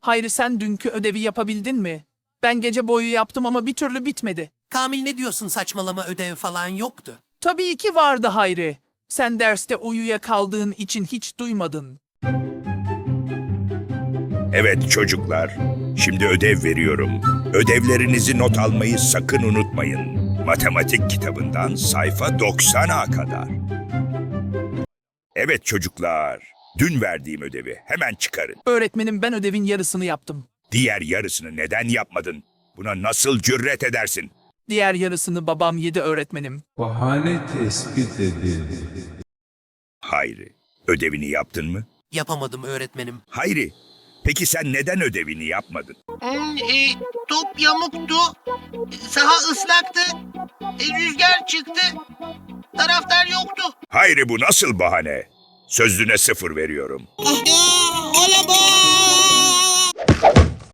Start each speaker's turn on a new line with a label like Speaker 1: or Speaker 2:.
Speaker 1: Hayri, sen dünkü ödevi yapabildin mi? Ben gece boyu yaptım ama bir türlü bitmedi.
Speaker 2: Kamil, ne diyorsun, saçmalama, ödev falan yoktu.
Speaker 1: Tabii ki vardı Hayri. Sen derste uyuyakaldığın için hiç duymadın.
Speaker 3: Evet çocuklar, şimdi ödev veriyorum. Ödevlerinizi not almayı sakın unutmayın. Matematik kitabından sayfa 90'a kadar. Evet çocuklar, dün verdiğim ödevi hemen çıkarın.
Speaker 1: Öğretmenim, ben ödevin yarısını yaptım.
Speaker 3: Diğer yarısını neden yapmadın? Buna nasıl cüret edersin?
Speaker 1: Diğer yarısını babam yedi öğretmenim.
Speaker 4: Bahane tespit edildi.
Speaker 3: Hayri, ödevini yaptın mı?
Speaker 2: Yapamadım öğretmenim.
Speaker 3: Hayri, peki sen neden ödevini yapmadın?
Speaker 5: Top yamuktu, saha ıslaktı, rüzgar çıktı, taraftar yoktu.
Speaker 3: Hayri, bu nasıl bahane? Sözlüğüne 0 veriyorum.
Speaker 5: Olamaz.